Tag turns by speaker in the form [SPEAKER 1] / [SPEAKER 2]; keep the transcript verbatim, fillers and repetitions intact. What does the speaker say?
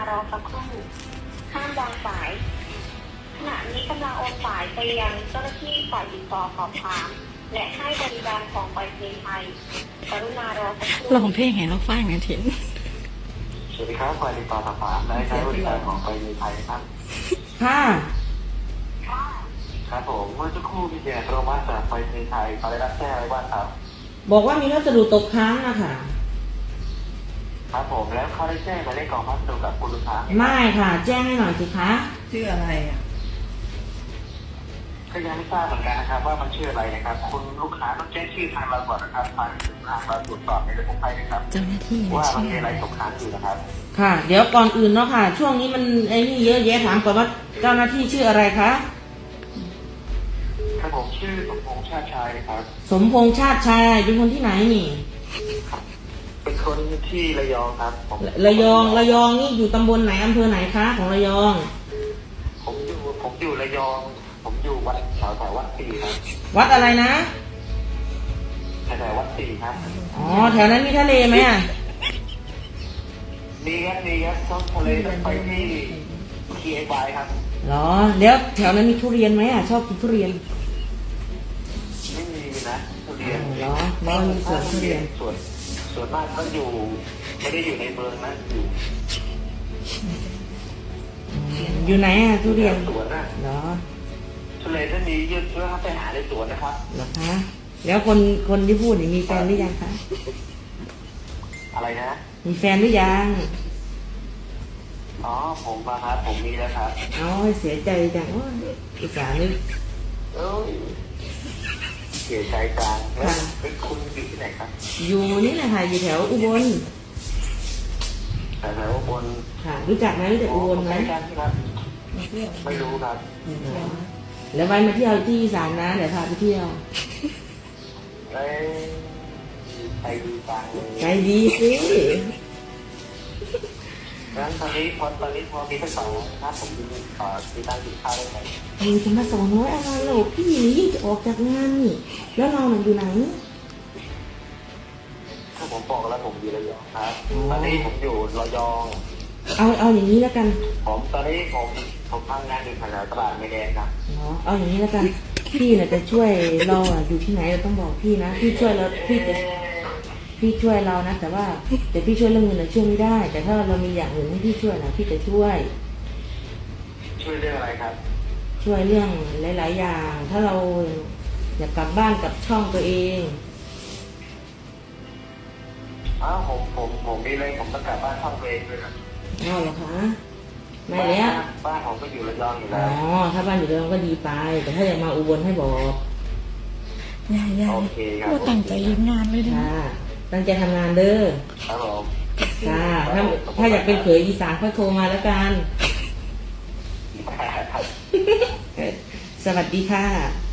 [SPEAKER 1] ารอสักครู่ห้ามวางสายขณะนี้กำลังโอนสายไปยังเจ้าหน้าที่ฝ่ายติดต่อสอบถามและให้บริการของไปรษณีย์ไทยกรุณารอสักครู่
[SPEAKER 2] ลองเพลงให้เราฟังกันเถอะ
[SPEAKER 3] สวัสดีครับฝ่ายติดต่อสอบถามและใช้บริการของไปรษณีย์ไทยครับ
[SPEAKER 4] ค่ะ
[SPEAKER 3] ครับผมเมื่อสักครู่มีเสียงโทรมาจากไปรษณีย์ไทยเขาได้รับแจ้งอะไรบ้างครับ
[SPEAKER 4] บอกว่ามีพัสดุตกค้างนะคะ
[SPEAKER 3] ครับผมแล้วเขาได้แจ้งหมายเลขกล่องพัสดุกับคุณลูกค้าไหม
[SPEAKER 4] ไม่ค่ะ แจ้งให้หน่อยสิคะ
[SPEAKER 5] ชื่ออะไรอ่ะ
[SPEAKER 3] ก็ยังไม่ทราบเหมือนกันนะครับว่ามันชื่ออะไรนะครับ คุณลูกค้าต้องแจ้งชื่อทางเราก่อนนะครับทางทางเราตรวจสอบในระบบไทยนะครับ
[SPEAKER 2] เจ้าหน้าที่
[SPEAKER 3] ว่ามัน
[SPEAKER 2] ชื่อ
[SPEAKER 3] มี
[SPEAKER 2] อะ
[SPEAKER 3] อะไร ไรตกค้างอยู่นะครับ
[SPEAKER 4] ค่ะ เดี๋ยวก่อนอื่นเนาะค่ะ ช่วงนี้มันไอ้นี่เยอะแยะถามก่อนว่าเจ้าหน้าที่ชื่ออะไรคะ
[SPEAKER 3] ครับผมชื่อสมพงษ์ชาติชายครับ
[SPEAKER 4] สมพงษ์ชาติชายเป็นคนที่ไหนนี่
[SPEAKER 3] เป็นคนที่ระยองครับผม
[SPEAKER 4] ระยองระยองนี่อยู่ตำบลไหนอำเภอไหนคะของระยอง
[SPEAKER 3] ผมอยู่ผมอยู่ระยอง ผมอยู่วัดแถวแถววัดสี่ครับ
[SPEAKER 4] วัดอะไรนะ
[SPEAKER 3] แถวแถววัดสี่ครับ
[SPEAKER 4] อ๋อแถวนั้นมีทะเลไหมอ่ะ
[SPEAKER 3] มีครับมีครับต้องทะเลต้องไปที่ทีไอวายครับ
[SPEAKER 4] เหรอแล้วแถวนั้นมีทุเรียนไหมอ่ะชอบกินทุเรียน
[SPEAKER 3] ไม่มีนะทุเรียน
[SPEAKER 4] เหรอไม่มีสวนทุเรียน
[SPEAKER 3] ส่วนส่วนมากก็อยู่ไม่ได้อยู่ในเมืองนะอยู่
[SPEAKER 4] อยู่ไหนอ่ะทุเรียน
[SPEAKER 3] สวนนะ
[SPEAKER 4] เหรอ
[SPEAKER 3] ทุเรียนถ้ามีเยอะก็ไปหาในสวนนะครับ
[SPEAKER 4] เหรอคะแล้วคนคนที่พูดนี่มีแฟนหรือยังคะ
[SPEAKER 3] อะไรนะ
[SPEAKER 4] มีแฟนหรือยัง
[SPEAKER 3] อ๋อผมมาครับผมมีแล้วครับ
[SPEAKER 4] เอาเสียใจจังโอ้ยอุตส่าห์นึก
[SPEAKER 3] เอ้ยเสียใจจังแล้วเป็นคุณอยู่ที่ไหนครับ
[SPEAKER 4] อยู่นี่แหละค่ะอยู่แถวอุบล
[SPEAKER 3] แถวแถวบน
[SPEAKER 4] ค่ะ รู้จักไหมรู้จักอุบลไหม
[SPEAKER 3] ใกล้กันครับไม่รู้ครับ
[SPEAKER 4] แล้วไปมาเที่ยวที่อีสานนะเดี๋ยวพาไปเที่ยว
[SPEAKER 3] เอ้ยไปดูจังเลย
[SPEAKER 4] ใจดีสิ
[SPEAKER 3] งั้นตอนนี้พอตอนนี้พอมีทั้งสองถ้าผมมีเอ่อมีตังค์กินข้าวได้ไหม
[SPEAKER 4] มีจะมาสองร้อยอะไรหรอพี่นี่ยิ่งจะออกจากงานนี่แล้วเราหน่ะอยู่ไหน
[SPEAKER 3] ถ้าผมบอกแล้วผมอยู่ระยองครับ ตอนนี้ผมอยู่ระยอง
[SPEAKER 4] เอาเอาอย่างนี้แล้วกัน
[SPEAKER 3] ผมตอนนี้ผมผมทำงานอยู่แถวตลาดไม่แดงครับ
[SPEAKER 4] เนาะเอาอย่างนี้แล้วกันพี่น่ะจะช่วยเราอ่ะอยู่ที่ไหนเราต้องบอกพี่นะพี่ช่วยเราพี่จะพี่ช่วยเรานะแต่ว่าแต่พี่ช่วยเรื่องเงินน่ะช่วยไม่ได้ แต่ถ้าเรามีอย่างอื่นให้พี่ช่วยนะพี่จะช่วย
[SPEAKER 3] ช่วยเรื่องอะไรครับ
[SPEAKER 4] ช่วยเรื่องหลาย ๆ อย่าง ถ้าเราอยากกลับบ้านกับช่องตัวเอง
[SPEAKER 3] อ้าวผมผมผมมีเลยผมต้องกลับบ้านช่องตัวเองด้วยครับ
[SPEAKER 4] อ้าวเหรอคะไม่แล้ว
[SPEAKER 3] บ้านผมก็อยู่ระยองอยู่
[SPEAKER 4] อ๋
[SPEAKER 3] แล้
[SPEAKER 4] อ
[SPEAKER 3] ว
[SPEAKER 4] ถ้าบ้านอยู่เดิมก็ดีไป แต่ถ้าอยากมาอุบลให้บอก
[SPEAKER 2] ยายยาย
[SPEAKER 3] โอเคครับ
[SPEAKER 2] ว่าตั้งใจเฮ็ดงานเลยนะ
[SPEAKER 4] ค่ะตั้งใจทำงานเด้อ
[SPEAKER 3] ครับผม
[SPEAKER 4] ค่ะถ้าถ้าอยากเป็นเขยอีสานก็โทรมาแล้วกัน สวัสดีค่ะ